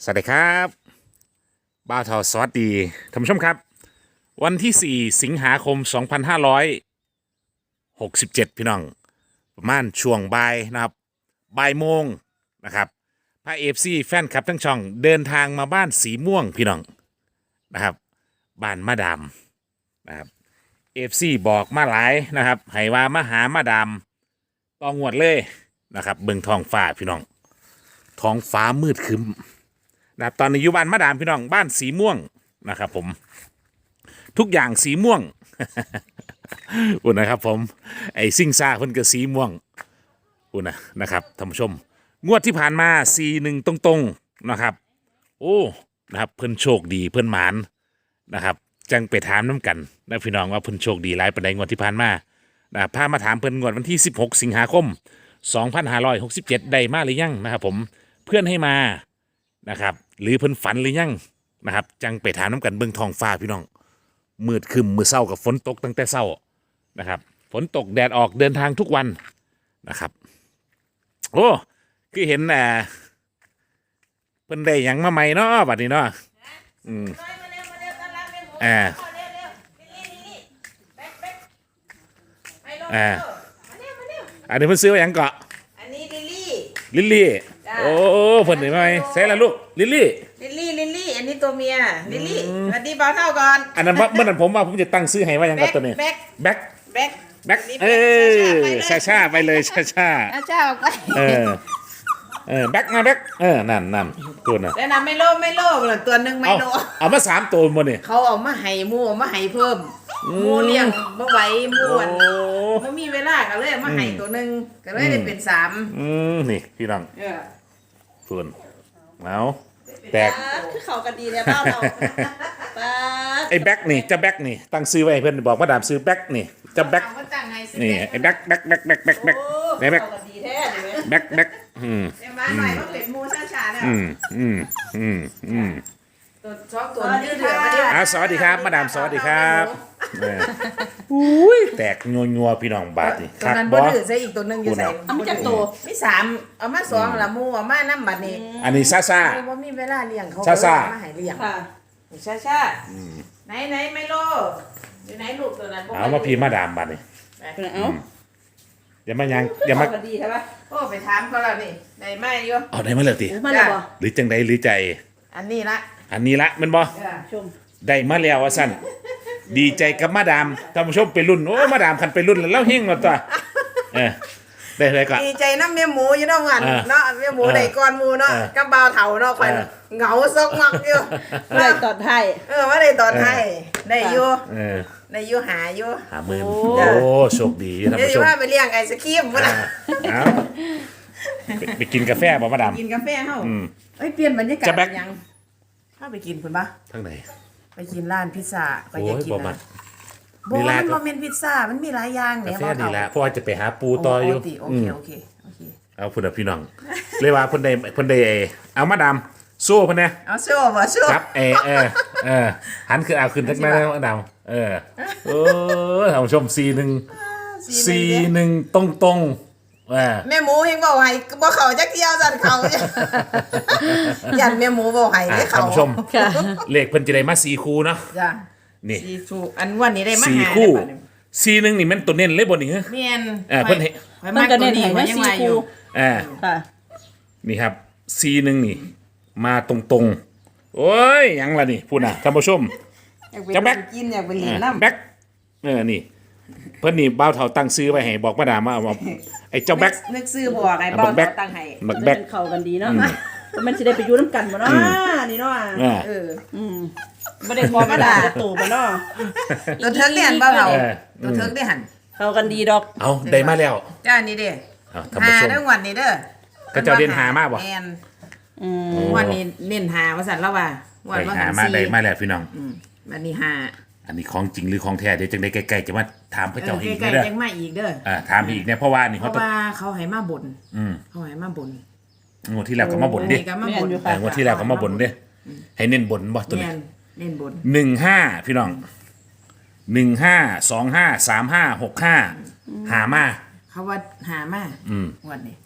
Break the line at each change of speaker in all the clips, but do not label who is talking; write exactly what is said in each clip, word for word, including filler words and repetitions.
สวัสดีครับบ้าวทอสวัสดีท่านผู้ชมครับวันที่สี่สิงหาคมสองพันห้าร้อยหกสิบเจ็ดพี่น้องประมาณช่วงบ่ายนะครับบ่ายโมงนะครับพระเอฟซีแฟนคลับทั้งช่องเดินทางมาบ้านสีม่วงพี่น้องนะครับบ้านมาดามนะครับเอฟซีบอกมาหลายนะครับให้ว่ามาหามาดามตองวดเลยนะครับเบิ่งท้องฟ้าพี่น้องท้องฟ้ามืดครึ้มนะครับตอนนี้อยู่บ้านมาดามพี่น้องบ้านสีม่วงนะครับผมทุกอย่างสีม่วง อุ่นนะครับผมไอ้ซิ่งซ่าเพิ่นก็สีม่วงอุ่นนะนะครับท่านผู้ชมงวดที่ผ่านมาสีหนึ่งตรงๆนะครับโอ้นะครับเพิ่นโชคดีเพิ่นหมานนะครับจังไปถามน้ำกันนะพี่น้องว่าเพิ่นโชคดีหลายปานใดงวดที่ผ่านมานะครับพามาถามเพิ่นงวดวันที่สิบหกสิงหาคมสองพันห้าร้อยหกสิบเจ็ดได้มาหรือยังนะครับผมเพื่อนให้มานะครับหรือเพิ่นฝันหรือยังนะครับจังไปถามน้ำกันเบิ่งท้องฟ้าพี่น้องมืดครึมมือเศร้ากับฝนตกตั้งแต่เศร้านะครับฝนตกแดดออกเดินทางทุกวันนะครับโอ้คือเห็นอ่าเพิ่นได้หยังมาใหม่เนาะบัดนี้เนาะอืมอ่าอ่าอันนี้เพิ่นซื้อไว้หยังเกาะ
อันนี้ลิลลี่
ลิลลี่โอ้เพิ่นได้มาใหม่ใส่ละลูกลิลลี่
ลิลลี่ลิลลี่อันนี้ตัวเมียลิลลี่สวัสดีบ่าวเท่าก่อน
อันนั้นเมื่อนั้นผมว่าผมจะตั้งซื้อให้ว่าหยังกับตัวนี้
แบ็ค
แบ็ค
แบ็ค
แบ็คเออชาชาไปเลยชาชา
อาชาออกไป
เออเออแบ็คมาแบ็คเออนั่นนั่นตัวน่ะ
แล้วนะไม่โลภไม่โลภหรอกตัวหนึ่งไม่โลภ
เอามาสามตัวหมดนี่
เขาเอามาให้มูเอามาให้เพิ่มมูเลี้ยงบ่ไหวมูอ่ะบ่มีเวลาก็เลยมาให้ตัวหนึ่งก็เลยได้เป็นสาม
อืมนี่พี่น้อง
เออ
ส่วนเอาแตก
คือเขากันดีเลยเปล่าเรา
ไอ้แบ็คนี่จะแบ็คนี่ตั้งซื้อไว้เพื่อนบอกว่าดามซื้อแบ็คนี่จะแบ็คนี่ไอ้แบ็คแบ็คแบ็คแบ็คแบ็คแบ็คไหนแบ็คแบ็คแบ็คอืม
มาหน่อยว่าเป็ดมูชาชาเนี่ย
อืมอืมอืมอืม
ตัวชอบตัวนี้เถื่อนมาดิ
อ่ะสวัสดีครับมาดามสวัสดีครับอุ้ยแตกงัวงัวพี่น้องบาทนี่
ตัวนั้นบ่ดื้อใส่อีกตัวนึงอยู่ใส่
เอามาจากตัว
มีสามเอามาสองละมูเอามาน้ำบัดนี้
อันนี้ซาซา
ว่ามีเวลาเลี้ยงเขา
ซาซา
มาให้เลี้ยง
ค่ะ
ชาชาไหนไหนไมโลอยู่ไหนลูกตัวนั้น
เอามาพี่มาดามบาทนี่
เอา
อย่ามายังอย่ามา
ดีใช่ปะโอ้ไปถามเขาแล้วนี่ได้ไหมโย
เอาได้มาเลยติ
มาเลยบ่
หรือจังใดหรือใจ
อันนี้ละ
อันนี้ละมันบ่
ชม
ได้มาแล้วว่าสั้นดีใจกับมาดามท่านผู้ชมไปรุ่นโอ้มาดามคันไปรุ่นแล้วเล่าเฮงแล้วตัวเออได้เลยก่อน
ดีใจน้ำเมียหมูอยู่น้องกันเนาะเมียหมูได้ก้อนหมูเนาะกับบ่าวเถาเนาะคอยเหงาซกมักอยู่
ได้ตอนไทย
เออว่าได้ตอนไทยได้อยู่
เออ
ได้อยู่หาอยู่
หาหมื่นโอ้โชคดีท่านผู้ชม
เดี๋ยวว่าไปเลี้ยงไอศครีมนะ
เอาไปกินกาแฟบ่มาดาม
กินกาแฟเฮาเอ้ยเปลี่ยนบรรยากาศยังถ้าไปกินคุณปะ
ทางไหน
ไปกินร้านพิซซ่าไปอยากกินนะ
มีร้าน
มันเป็นพิซซ่ามันมีหลายอย่าง
เนี่ยกาแฟดีแล้วเพราะว่าจะไปหาปูต่ออยู่
โอเคโอเคโอเค
เอาพุ่นพี่น้องเลยว่าพุ่นใดพุ่นใดเอามาดามสู้พุ่นเนี่ย
เอาสู้บ่สู้
ครับเออเออเออหันคือเอาขึ้นทักแม่มาดามเออเออท่านผู้ชมซีหนึ่งซีหนึ่งตรงตรง
แม่หมูเฮงบอกให้บ่เขาจักเที่ยวสั่นเขายันแม่หมูบอกให้ให้เขา
ท่านผู้ชมเลขเพิ่นจะได้มาสี่คู่เนาะ
จ้ะ
นี่
สี่คู่อันวันนี้ได้มา
สี่คู่สี่หนึ่งนี่มันตัวเน้นเลยบ่นี่เหรอ
แม่น
เออเพิ่นเห็น
มันก็เน้นให้มาสี่คู่
อ่า
ค่ะ
นี่ครับสี่หนึ่งนี่มาตรงตรงโอ้ยยังล่ะนี่พูดน่ะท่านผู้ชม
จะแบ็คกินอยากไปเล่นน้ำ
แบ็คเออนี่เพิ่นนี่บ่าวเฒ่าตั้งซื้อไว้ให้บอกมาดามว่าไอ้เจ้าแบ็ค
นึกซื้อบอกไอ้บ่าวเฒ่าตั้งให้
บักแบ็ค
เข้ากันดีเนาะมันสิได้ไปอยู่นำกันบ่เนาะนี่เนาะ
เออ
อืมบ่ได้พอมาด่าตู่บ่เนาะ
ตัวเทิงได้หันบ่าวเฒ่าตัวเทิงได้หัน
เข้ากันดีดอก
เอาได้มาแล้ว
จ้านี่เด้หาเด้อวันนี้เด้อ
ก็เจ้าเด่นหามากบ่
แม่นอืมวันนี้เน้นหาว่าซั่นแล้วว่า
วันว่าหามาได้มาแล้วพี่น้อง
อืมวันนี้หา
อันนี้ของจริงหรือของแท้เดี๋ยวจังได้ใกล้ๆจะมาถามพระเจ้าอีกเด้อ
ใกล้ๆยังมาอีกเด้อ
อ่าถามอีกเนี่ยเพราะว่านี่
เขาเพราะว่าเขาให้มาบ่น
อืม
เขาให้มาบ่น
งวดที่แล้วก็มาบ่นดิงวดที่แล้วก็มาบ่นดิให้เน้นบ่นบ่ตัวนี้
เน้นบ่น
หนึ่งห้าพี่น้องหนึ่งห้าสองห้าสามห้าหกห้าหามา
เขาว่าหามา
อืม
วันนี้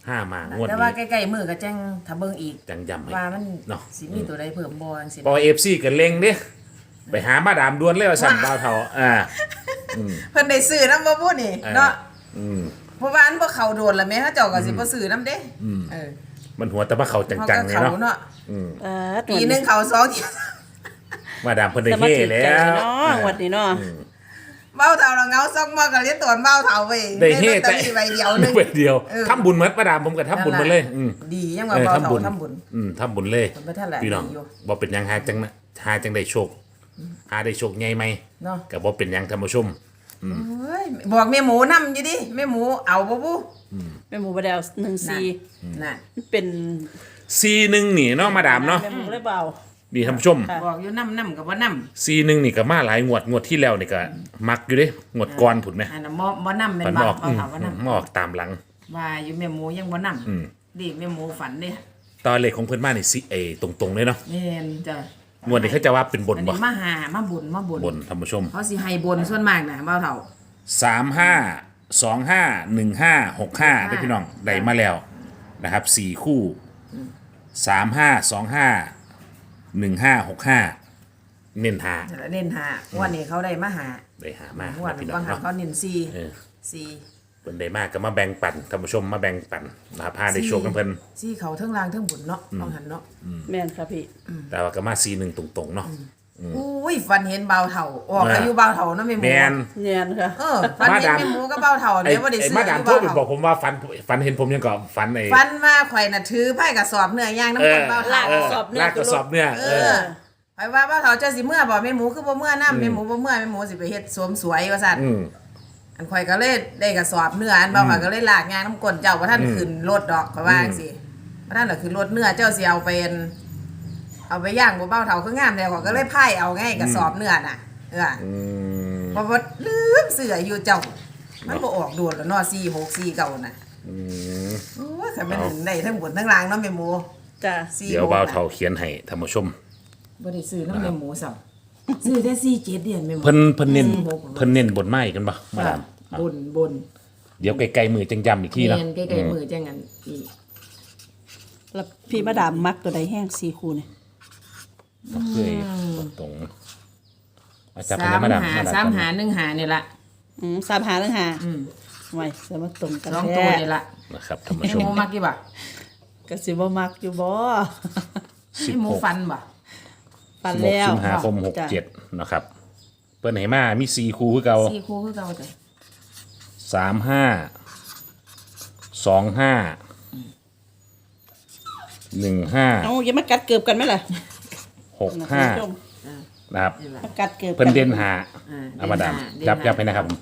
ห้ามางวด
แต่ว่า
นี้
ใกล้ๆมือก็แจ้งถ้าเบิ่งอีก
จังย้ำให้
ว่ามัน
เนาะ
สิมีตัวใดเพิ่มบ่จังซี่
พอเอฟซีกันเล็งเด้ไปหามาดามดวนเลยว่าสั่นบ่าวเฒ่าอ่า
เพิ่นได้ซื้อนำบ่พูดนี่
เออ
เนาะ
อืม
เพราะว่าอันบ่เข้าโดนแล้วแม่เขาเจ้าก็สิบ่ซื้อนำเด้เออ
มันหัวแต่ว่าเขาจั
เขา
ง
ก็
ๆเลย
เข้า
เนาะ
เนาะ
เออ
ปีหนึงเข้าสองเที่ย
มาดามเพิ่นได้
จะมา
เฮ่
ถึง
แล้
ใจ
ว
เนาะงวดนี้เนาะ
เบ้าเฒ่าเราเงาซอกมาก็เรียนตวนเบ้าเฒ่าไป
ได้เฮ่
แต่
แต่
ใบเดียวหนึง
ใบเดียว
เออ
ทำบุญเหมือนมาดามผมก็ทำบุญมาเลยอืม
ดียังว่า
เออ
เบ้า
ทำ
เฒ่า
บุญ
ทำบุญ
อืมทำบุญเลย
มันบ่ทันแหละ
พี่น้อง
ดีอยู่
บ่เป็นหยังหาจังนะหาจังได้โชคหาได้โชคใหญ่ไหม
เนาะ
ก็บ่เป็นหยังท่านผู้ชม
เฮ้ยบอกแม่หมูนำอยู่ดิแม่หมูเอาบ่บุ
แม่หมูบดาวหนึ่งซี
น่ะ
มันเป็น
ซีหนึ่งนี่เนาะมาดามเนาะ
แม่หมูเลยเบา
นี่ท่านผู้ชม
ค่ะ
บอกอยู่นำนำก็บ่นำ
ซีหนึ่งนี่ก็มาหลายงวดงวดที่แล้วนี่ก็มักอยู่เด้งวดก่อนผุดไหม
อันน่ะบ่บ่นำเป็น
มัน
บ่
บอก
เบ้าเฒ่าบ่นำ
มออกตามหลัง
ว่าอยู่แม่หมูยังบ่นำดิแม่หมูฝันเด้
ตอนเลขของเพื่อนบ้านนี่สิเอตรงๆเลยเนาะ
แม่นจ้ะ
งวดนี้เขาจะว่าเป็นบน
อัน
บ่
นี้มาหามาบุญมาบุญ
บนท่านผู้ชม
เขาสิให้บนส่วนมากน่ะเบ้าเฒ่า
สามห้าสองห้าหนึ่งห้าหกห้าได้พี่น้องได้มาแล้วนะครับสี่คู่สามห้าสองห้าหนึ่งห้าหกห้าเน้นหา
แต่ละเน้นหาวันนี้เขาได้มาหา
ได้หามาง
วด
นะพี่น้อ
บาง งหัน
เนาะ
เขาเน้นสี่
เออ
สี่
เพิ่นได้มากก็มาแบ่งปันท่านผู้ชมมาแบ่งปันนะครับพาได้โชคกันเพิ่น
สี่เขาเทั้งล่างเทั้งบุญเนาะบางหันเนาะ
แม่นค่ะพี่
แต่ว่าก็มาซีหนึ่งตรงๆเนาะ
อุ้ยฟันเห็นเบาเถ่าออก
เอออ
อายุเบาเถ่าเนาะแม่หมู
แมน
แม่นค่ะ
เออฟันเห็น
มาดาม
แม่หมูก็เบาเถ่า
ไอ้
เดี๋ยวว่าได้
ไอ้
ซื้อ
มา
อา
ดาม
ยุ
โทร
เบา
ไปบอ
เถ่าก
ผมว่าฝันฝันเห็นผมยังก่อนฝันไอ้
ฟันมาข่อยน่ะถือไพ่กระสอบเนื้อย่างน้ำ
เอ
มัน
อ
เบา
ลา
เถ่าก
กระสอบเนื้อ
ลากกระสอบเนื้อ
เอ
เอ
อ
อ
ไปว่าเบาเถ่าเจ้าสิเมื่อบ่แม่หมูคือบ่เมื่อน้ำแม่หมูบ่เมื่อแม่หมูสิไปเฮ็ดสวมสวยว่าซั่น
อืม
อันข่อยก็เลยได้กระสอบเนื้ออันเบาข่อยก็เลยลากงานน้ำก้นเจ้าว่าท่านขึ้นรถดอกข่อยว่าจังซี่ว่าท่านน่ะขึ้นรถเนื้อเจ้าสิเอาเป็นเอาไปย่างบ่เบาเถ่าคืองามแล้วข่อยก็เลยไพ่เอาไงกระสอบเนื้อน่ะเออ
อืม
เพราะว่าลืมเสืออยู่เจ้า มันบ่ออกโดดแล้วเนาะสี่หกสี่เก่าน่ะ
อืม
โอ้ยแต่เป็นได้ทั้งบนทั้งล่างเนาะแม่หมู
จ้ะ
สี่
เดี๋ยว
หก
บ่าว
น่ะ
เฒ่าเขียนให้ท่านผู้ชม
บ่ได้ซื้อน้ำแม่หมูซ้ำซื้อแต่สี่เจ็ดเดือนแม่หมู
เพิ่นเพิ่นเน้น
สี่หก
เพิ่นเน้นบนไม้กันบ่มาดาม
บนบน
เดี๋ยวไกลๆมือจังย้ำอีกทีเนาะ
เนียนใกล้ๆมือจังงั้นอีก
แล้วพี่มาดามมักตัวใดแห้งซีคูเนี่ย
บ่เคยตรงๆมาจับให้
สาม
นะมาดาม
หา
มาดาม
สามหาหนึ่งหานี่ละ
อืมสามหาเรื่องหา
อืม
ไว้จะมาตรงกัน
สอง
แท้
ตัวนี่ละ
นะครับท่านผู้
แม่
ช
ห
ม
มูมักกี่บ่
ก็สิบ่มักอยู่บ่
สิบ
แม่หมู
หก
ฟันบ่
ปัน
สิบหก
แล้ว
สิงหาคมหกเจ็ดนะครับเพิ่นให้มามีสี่คู่คือเก่า
สี่คู่คือเก่าจ้ะ
สามห้าสองห้าหนึ่งห้า
เอาอย่ามากัดเกือบกันไหมล่ะ
หกห้า
ท่นผู้ชม
นะครับ
นี่ละ
มากัดเกือบ
เพิ่นเด่นหา
อ่า
เอามาดาม
เด่นหา
ยับ
เด่นหา
ยับให้นะครับผม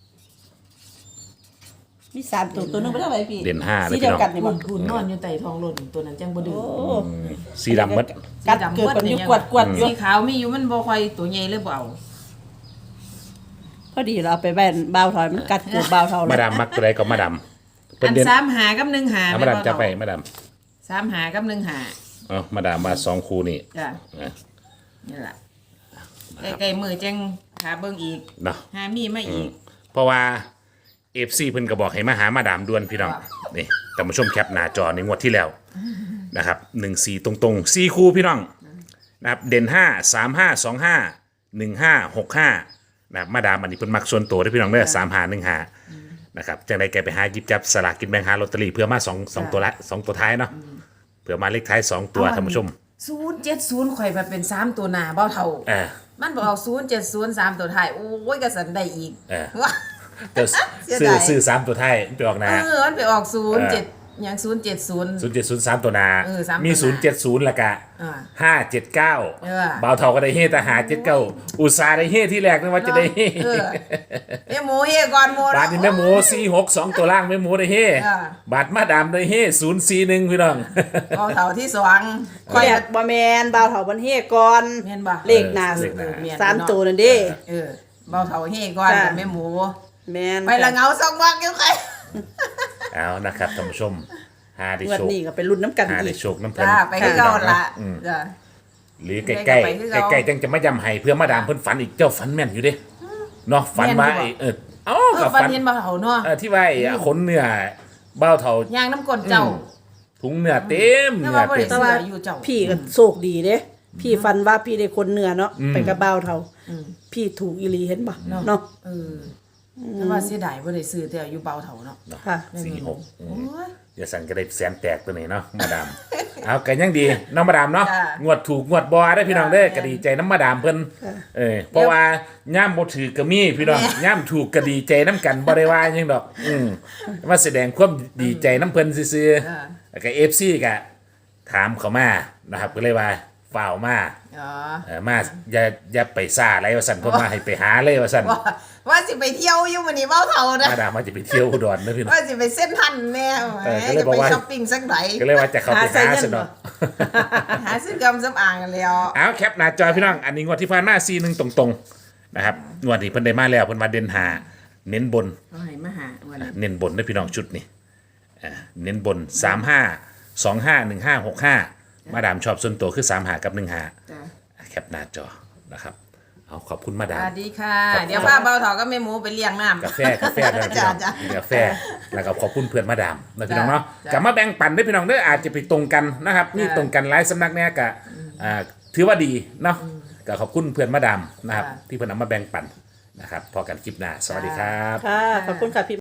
มีสามตัวตัวหนึงไปเท่าไหร่พี่
เด่นห้าเลย
สีเดียว
พี่น้อง
กันนี่
คุ
บ่
ณคุณนอนอยู่ใต้ท้องรถตัวนั้นจังบ่ดื้อ
โอ้
สีดำหมัด
กัดเกือบกันอยู่กวดกวดอยู่
สีขาวมีอยู่มันบ่ค่อยตัวใหญ่เลยบ่เอา
พอดีเราเอาไปแบนเบาถอยมันกัดเกือบเบาเท่าเล
มาย ดามมักตัวใดก็มาดามเพิ่
อั
น
น
เด่น
สามหากับหนึ่งหา
เอามาดามจับไปมาดาม
สามหากับหนึ่งหา
เอามาดามมาสองคู่นี่
จ้ะ
นะ
นี่ล่ะใกล้ๆมือจังหาเบิ่งอีก
เนาะ
หามีมาอีก
เพราะว่าเอฟซีเพิ่นก็บอกให้มาหามาดามด่วนพี่น้อง
ว่า
นี่ท่านผู้ชมแคปหน้าจอในงวดที่แล้วนะครับหนึ่งสี่ตรงๆสี่คู่พี่น้องนะครับเด่นห้าสามห้าสองห้าหนึ่งห้าหกห้านะครับมาดามอันนี้เพิ่นมักส่วนตัวเด้อพี่น้องเด้อสามห้าหนึ่งห้านะครับจังไดแกไปหาหยิบจับสลากกินแบ่งหาลอตเตอรี่เพื่อมาสองสองตัวละสองตัวท้ายเนาะเพื่อมาเลขท้ายสองตัวท่านผู้ชม
ศูนย์เจ็ดศูนย์ข่อยมาเป็นสามตัวหน้าเบ้าเท่า
เออ
มันบอกเอาศูนย์เจ็ดศูนย์สามตัวท้ายโอ้ยกระสันได้อีก
เออ
ว้า
เจ้า
เสีย
ซื้อ
ดาย
ซื้อสามตัวท้ายไปออกห
เอ
นา
อมันไปออกศูนย์เจ็ดอย่างศูนย์เจ็ดศูนย์
ศูนย์เจ็ดศูนย์สามตัวหนา
เออสามตัวหน้า
มีศูนย์เจ็ดศูนย์ละกะ
อ่า
ห้าเจ็ดเก้า
เออ
บ่าวเท่าก็ได้เฮแต่หาเจ็ดเก้าอุตสาห์ได้เฮที่แรกนึกว่าจะได้เฮ
เออแม่หมูเฮก่อนหมู
บาทนี่แม่หมูสี่หกสองตัวล่างแม่หมูได้เฮ
เออ
บาทมาดามได้เฮศูนย์สี่หนึ่งพี่น้อง
เบ้าเท่าที่สอง
คอยบ่แมนเบาเท่าบันเฮก่อน
แม่นบ่
เลขหน้า
เลขหน้า
แม่น
สาม
เนาะ
ตัวนั่นเด้
เออเบ้าเท่าเฮก่อน
จ้ะ
กับแม่หมู
แมน
ไปละเงาสองวักอยู่ใคร
เอานะครับท่านผู้ชมหาได้
งวด
โชค
นี้ก็เป็นรุ่นน้ำกัน
หา
อี
ได้
ก
โชคน้ำเพลิน
จ้าไปคือเก่าละ
อืม
จ้ะ
หรือใกล้ใกล้
ไปคือเก่า
ใกล้ๆจังจะไม่ยำให้เพื่อมาดามเพิ่นฝันอีกเจ้าฝันแม่นอยู่เด้เนาะฝันว่า
แม่นอยู่บ่
ไอ้เออเอ้า
เอ
กั
อบ ฟัน
ฝัน
เห็นเบ้าเท่าเนาะ
เออที่ว่าไอ้ขนเนื้อเบ้าเท่า
ย่างน้ำกลนเจ้า
ถุงเนื้อเต็ม
แต่
เนื้
ว่า
อ
บ่
เต็
ได้
ม
เสืออยู่เจ้า
พี่ก็โชคดีเด้พี่ฟันว่าพี่ได้คนเหนือเนาะ
อืม
ไปกับบ่าวเฒ่า
อืม
พี่ถูกอีหลีเห็นบ่
เนาะ
เนาะ
เออแต่ว่าเสียดายบ่ได้ซื้อแต่อยู่เบาเถาเนาะ
เนาะ
ค่ะ
สี่หกอื
โอ้
ม
ย
อย่าสั่งก็ได้แสนแตกตัวนี้เนาะมาดาม เอากันยังดีน้องมาดามเนาะ
จ้ะ
งวดถูกงวดบอได้พี่น้องเด้อ
จ้ะ
ก็ดีใจน้ำมาดามเพิ่น
ค่ะ
เออเพราะว่าย่ามบ่ถือก็มีพี่น้อง
แม่
ย่ามถูกก็ดีใจน้ำกันบ่ได้ว่าหยังดอก อืมมาแสดงความดีใจน้ำเพิ่นซื่อ
จ้ะ
ๆแล้วก็ เอฟ ซี ก็ถามเขามานะครับก็เลยว่าฝ่าวมา
อ๋อ
เออมาอย่าอย่าไปซ่าอะไรว่าสั่นเพิ่นมาให้ไปหาเลยว่าสั่น
ว่าว่าสิไปเที่ยวอยู่มื้อนี้เบาเถานะ
มาดามมาจะไปเที่ยวอุดรนะพี่น้อง
ว่าสิไปเส้นทันแน่
เออก็เลย
จะ
บอก
ไป
ว่า
ช้อปปิ้งสักไหน
ก็เลยว่าจะเข้าไป
หาใส่
หา
เงิน
ซะเนาะ
หาซื้อกำสำอางกันแล้ว
เอาแคปหน้าจอพี่น้อง อันนี้งวดที่ผ่านมาซีหนึ่งตรงๆนะครับงวดนี้เพิ่นได้มาแล้วเพิ่นมาเด่นหาเน้นบน
เอาให้มาหาวันนี้
เน้นบนนะพี่น้องชุดนี้อ่าเน้นบนสามห้าสองห้าหนึ่งห้าหกห้ามาดามชอบส่วนตัวคือสามหากับหนึ่งหา
จ้ะ
แคปหน้าจอนะครับเอาขอบคุณมา
ส
ดาม
วัสดีค่ะ
ครับ
เดี๋ยวพาเบาเถาก็แม่หมูไปเลี้ยงน้ำ
กาแฟกาแฟด้วยพี่น้อง
จ้ะ
กาแฟแล้วก็ขอบคุณเพื่อนมาดามนะพี่น้องเนาะ
จ้ะ
กลับมาแบ่งปันด้วยพี่น้องเด้ออาจจะไปตรงกันนะครับนี่
จ้ะ
ตรงกันหลายสำนักเนี่ยกะอ่าถือว่าดีเนาะก็ขอบคุณเพื่อนมาดามนะครับ
จ้ะ
ที่เพื่อนนำมาแบ่งปันนะครับพอกันคลิปหน้าสวัสดีครับ
ค่ะขอบคุณค่ะพี่